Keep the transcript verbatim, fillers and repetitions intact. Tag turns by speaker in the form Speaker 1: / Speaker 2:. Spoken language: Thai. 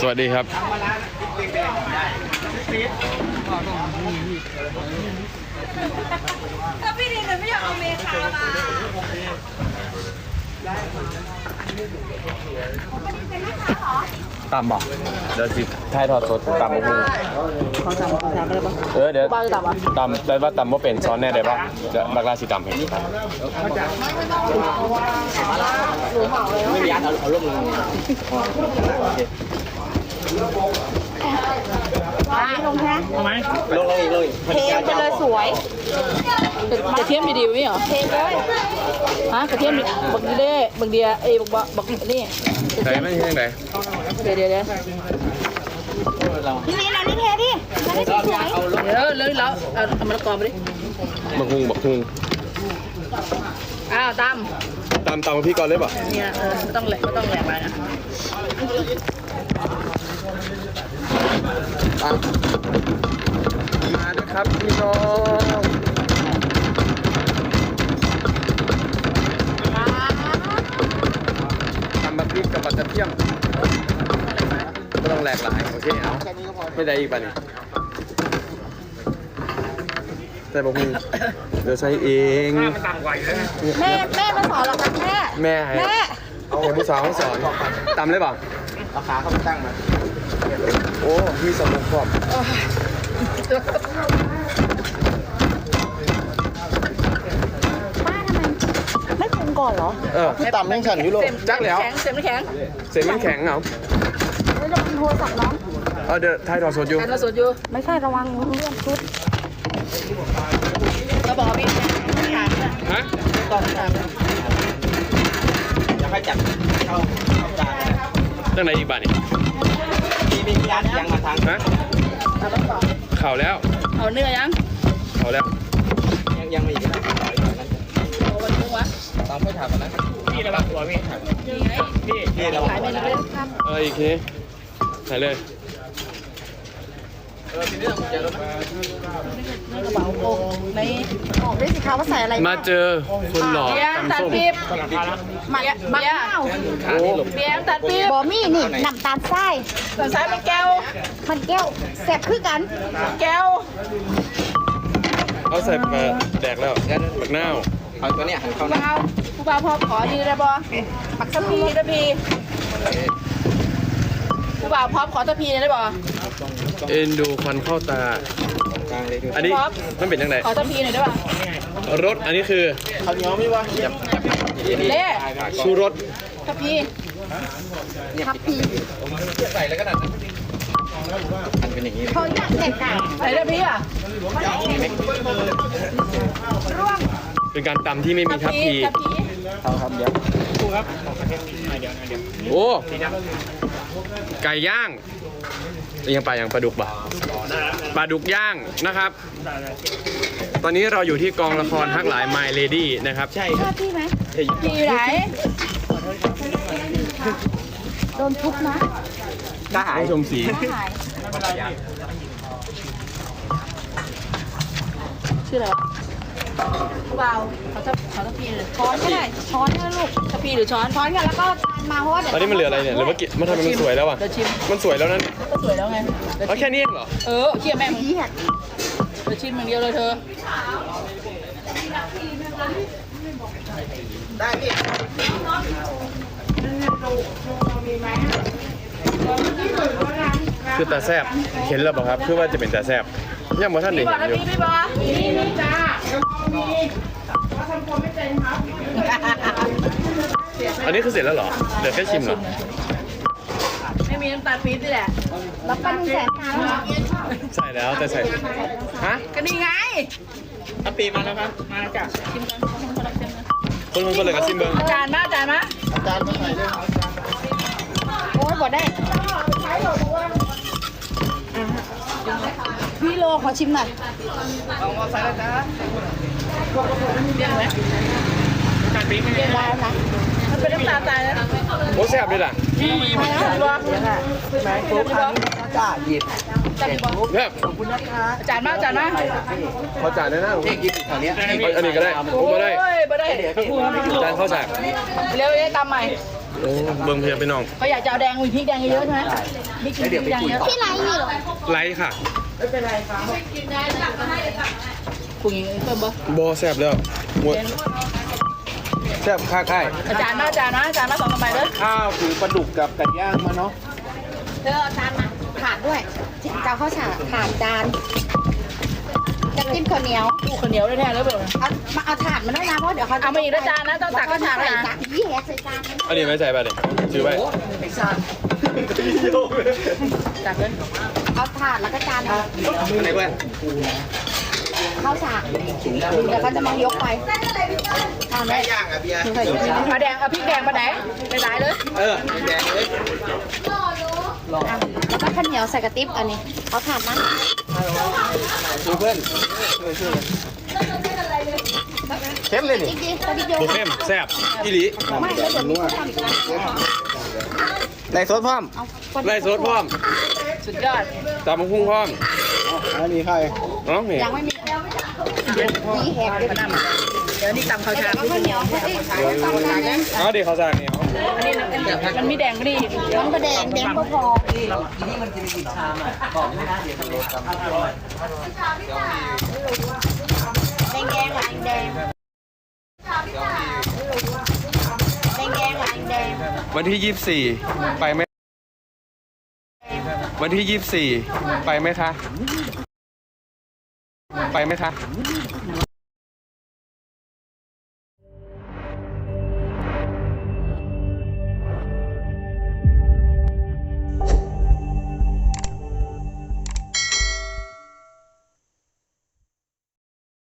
Speaker 1: วัสดีครับ
Speaker 2: ถ้าพี่ดินไม่อยากเอาเมคามา
Speaker 1: ตำบ่เดี๋ยวสิท้ายทอดสดตำมะม่วง
Speaker 3: ขอตำขอตำได้ปะ
Speaker 1: เออเดี๋ยว
Speaker 3: บ้าจะตำอ่ะ
Speaker 1: ตำได้ว่าตำว่าเป็นซ้อนแน่ได้ปะจะบักลาสิตำให้ครับ
Speaker 3: ไม่มีอันเอาเอาลงเลยลงแค่ทำไมลงลงอีกเลยเทไปเลยสวยกระเทียมดีๆนี่เหรอเทเลยฮะกระเทียมบักดีเด้บักเดียเอ้บักบักนี่
Speaker 1: ไหนไม่ใช่ไหน
Speaker 3: เดี๋ยวเดี๋ยวเดี๋ยว
Speaker 2: นี่นี่นะนี่เทดิแล้วนี่สวย
Speaker 3: เดี๋ยวเลยแล้วเอาเอามะละกอไปดิ
Speaker 1: บักฮุงบักฮุง
Speaker 3: อ้าวต
Speaker 1: ตำตำกับพี่ก่อนเลยป่ะ
Speaker 3: ำเนี่ยเออไม่ต้องแหลกไม่ต้องแหลกไปนะ
Speaker 1: มาด้วยครับพี่น้องทำแบบพริกกับปัตตะเพียมไม่ต้องแหลกหลายโอเคเอาไม่ได้อีกป่ะนี่ใส่บักฮุงเดี๋ยวใช้เอง
Speaker 2: แม่แม่มาสอนหรอครับแม่
Speaker 1: แม่ให้
Speaker 2: แม่
Speaker 1: เอาคนที่สองสอนตำเลยป่ะ
Speaker 3: เอาขาเข้าไปตั้งมา
Speaker 1: โอ้มีสมุนครบ
Speaker 2: ป้าทำไมไม่ปรุงก่อนเหรอ
Speaker 1: เออ
Speaker 3: ต่ำแข็งฉันยุโรป
Speaker 1: จักแล้ว
Speaker 3: แข็งเต็มแข็ง
Speaker 1: เสร็จมันแข็งเหรอ
Speaker 2: แล้วระวังโทรศัพท์น้อง
Speaker 1: เออเดี๋ยวถ่ายทอดสดอยู่
Speaker 3: แข็งมาสดอยู่
Speaker 2: ไม่ใช่ระวังเรื่องชุด
Speaker 3: เราบอกพี่ขาดนะ
Speaker 1: ฮะ
Speaker 3: ต้องขาดอยากให้จับเข้าเข้าจาน
Speaker 1: ตั้งไหนอีกบ้านนี่
Speaker 3: มีมีร้านยังมาทาง
Speaker 1: ฮะเข่าแล้ว
Speaker 3: เอาเนื้อยัง
Speaker 1: เข่าแล้ว
Speaker 3: ยังยังไม่อีกนะโอ้วันนี้วะต้องไปถามกันนะพี่ระวังตัวพี่นี่ไงพี่พี่ระวังขายเมนูเลยครับ
Speaker 1: เอออีกทีถ่ายเลย
Speaker 3: เออทีนี้เราจะลดในกระเป๋าโกใน
Speaker 2: บอกได้สิคะว่าใส่อะไร
Speaker 1: มาเจอคนหล่อ
Speaker 3: เบียร์
Speaker 1: ตำ
Speaker 3: ตัด
Speaker 1: ส้ม
Speaker 3: ปี๊บ
Speaker 2: หมักหมักข้าว
Speaker 1: โอ้
Speaker 3: เบียร์ตัดปี๊บบ
Speaker 2: อมี่นี่น้ำตาลทราย
Speaker 3: ส่วนซ้ายเป็นแก้ว
Speaker 2: มันแก้วแสบคือกัน
Speaker 3: แก้ว
Speaker 1: เอาใส่มาแดกแล้วบักนาว
Speaker 3: เอาตัวเนี้ยหันเข้านะผู้บ่าวพอขอดีได้บ่ปักสพีตะพีผู้บ่าวพร้อมขอตะพีได้บ่
Speaker 1: เอ็นดูควันเข้าตา อันนี้มันเป็นยังไง
Speaker 3: ขอตะพีหน่อยได้ป่ะ
Speaker 1: รสอันนี้คือ
Speaker 3: ข้าวเหนียวมีวะเล่
Speaker 1: ชูรส
Speaker 3: ตะพี
Speaker 2: ทับพี
Speaker 3: ใส่แล้วก็ดันมันเป็นอย่างนี้
Speaker 2: เขาอยากเด็กอ่ะ
Speaker 3: ใส่ตะพีอ่ะ
Speaker 2: ร่วง
Speaker 1: เป็นการตำที่ไม่มีทับที
Speaker 3: ตะพี
Speaker 4: เอาครับเดี๋ยว
Speaker 1: โอ้ไก่ย่างยังปลาอย่างปลาดุกบ่ะปลาดุกย่างนะครับ ตอนนี้เราอยู่ที่กองละครฮักหลาย My Lady นะครับใช่
Speaker 2: ชอบพี่ไหม
Speaker 3: พีอยู่ไหน
Speaker 2: โดนทุบนะ
Speaker 1: ก็หายชมสี
Speaker 2: หาย
Speaker 3: ชื่ออะไรผู้บ่าวขอตะขอตะพีเลย
Speaker 2: ช้อนก็ได้ช้อนก็ลูก
Speaker 3: ตะพีหรือช้อน
Speaker 2: ช้อนกันแล้วก็จานมาเพราะว่าเดี๋ยว
Speaker 1: ตอนนี้มันเหลืออะไรเนี่ยหรือว่ากิมันทำไมมันสวยแล้วอ่ะ
Speaker 3: เดี๋ยวชิม
Speaker 1: มันสวยแล้วนั่น
Speaker 3: ก็สวยแล้วไง
Speaker 1: เอาแค่นี้เองเหรอ
Speaker 3: เออเชี่ยแม่มึง
Speaker 2: เหี้ย
Speaker 3: เดี๋ยวชิมอย่างเดียวเลยเธอ
Speaker 1: คือตาแซบเห็นแล้วเปล่าครับเพื่อว่าจะเป็นตาแซบยังบ่ท่านได้
Speaker 3: พี่บอ
Speaker 1: เห็
Speaker 3: ล
Speaker 1: นอยู่
Speaker 3: นะพี่พี่บอลนี่นี่จ้า
Speaker 1: อันนี้คือเสร็จแล้วเหรอเหลือแค่ชิมเหรอ
Speaker 3: ไม่มีน้ำตาลปี๊บนี่แหละ
Speaker 2: แล้วปั้นแสนน้ำเหรอ
Speaker 1: ใส่แล้วแต่ใส่ฮะ
Speaker 3: ก็นี่ไง
Speaker 4: ถ้าปีมาแล้วครับ มาจ้ะ
Speaker 3: ชิมกันชิมกันชิมกัน
Speaker 1: คนคนเลยกับชิมเบิ้ง
Speaker 3: จานมาจานมา
Speaker 4: อาจารย์มาใส่ด้วย
Speaker 2: โอ้ยบ่ได้พี่โลขอชิมหน่อย
Speaker 3: เอามาใส่แล้วจ้าเรียกไหม
Speaker 4: การปีก
Speaker 2: เรียนได้แล้วนะ
Speaker 3: มันเป็นน้ำตาลตายนะ
Speaker 1: โอ้แซบด้วยล่ะ
Speaker 3: พี่บอลพี่บอล
Speaker 4: แม่ปุ๊บอันนี้จ้าหยิบ
Speaker 3: จานพี่บอล
Speaker 1: แซบ
Speaker 4: ขอบคุณนะคะ
Speaker 3: จานมาจานมา
Speaker 1: ขอจ่ายได้นะ
Speaker 4: เด็กหยิบแถวนี้
Speaker 1: อันนี้ก็ได้โอ้มาได้
Speaker 3: โอ้ยมาได้
Speaker 1: จานข้าวสาก
Speaker 3: เร็วเลยตามใหม่
Speaker 1: โอ้เบิ่งเพียพี่น้อง
Speaker 3: เขาอยากจะเอาแดงมีพริกแดงเยอะๆใช่ไหมพริกพริกแดงเยอะ
Speaker 2: พี่ไรนี่เหรอ
Speaker 1: ไลค์ค่ะ
Speaker 3: ปรุงอย่างนี้เพิ่มบ่
Speaker 1: บอแซบแล้วหมดแซบค่าค่าย
Speaker 3: อาจารย์มาอาจารย์นะอาจารย์มาสองกระใบเลย
Speaker 4: ข้าวคือปลาดุกกับไก่ย่างมาเนาะ
Speaker 2: เธอเอาจานมาถาดด้วยจะเอาข้าวฉาถาดจานจะจิ้มข้าวเหนียว
Speaker 3: ปูข้าวเหนียวได้แท้เลยเปล่า
Speaker 2: เอามาเอาถาดมาด้วยนะเพราะเดี๋ยวเขา
Speaker 3: เอามาอีกแล้วจานนะต้องตักข้าวฉาก
Speaker 2: ใส่
Speaker 3: นะ
Speaker 2: จานยี่แหกใส่จาน
Speaker 1: อันนี้ไม่ใส่ไปเลยซื้อไว้
Speaker 3: ตักเลย
Speaker 2: เอาถาดแล้วก็จานเอา
Speaker 4: ไหนเพื่อน
Speaker 2: ข้าวฉากเดี๋ยวเขาจะมายกไปเอาไหม
Speaker 4: ไก่ย่างอ่ะเบียร์
Speaker 2: ใส่จาน
Speaker 3: เอาแดงเอาพริกแดงมาไหนไปไหนเลย
Speaker 4: เออแดงเลย
Speaker 2: แล้วก็ข้าวเหนียวใส่กระติบอันนี้เอาถาดมา
Speaker 4: ดูเพื่อนเข้มเลยนี่
Speaker 2: อีกทีกระติบโย
Speaker 1: โบ
Speaker 2: น
Speaker 1: เข้มแซบอีหลี
Speaker 2: ไม่แล้วเดี๋ยวมีคนทำอีกนะ
Speaker 4: ไรซดพร้อม
Speaker 2: เอาคน
Speaker 1: ไล่สดพร้อม
Speaker 3: สุดยอด
Speaker 1: ตามมะพุ่งพร้อม
Speaker 4: อันนี้ใคร
Speaker 1: น้องนี่
Speaker 2: ยังไม่มียี่แหกเลย
Speaker 3: มานั่งเดี๋ยวนี่ตำข้าวฉาก
Speaker 2: เอาข้าวเหนียวเอ้ยเอาจานนั้น
Speaker 1: เอาดิเขาสั่งนี่เอา
Speaker 3: อันนี้มันมีแดงก็ดี
Speaker 2: มันก็แดงแดงก็พอแดงแดงหวานแดงแดงแดงหวานแดง
Speaker 1: วันที่ยี่สิบสี่ไปไหมวันที่ยี่สิบสี่ไปไหมคะ ไปไหมคะ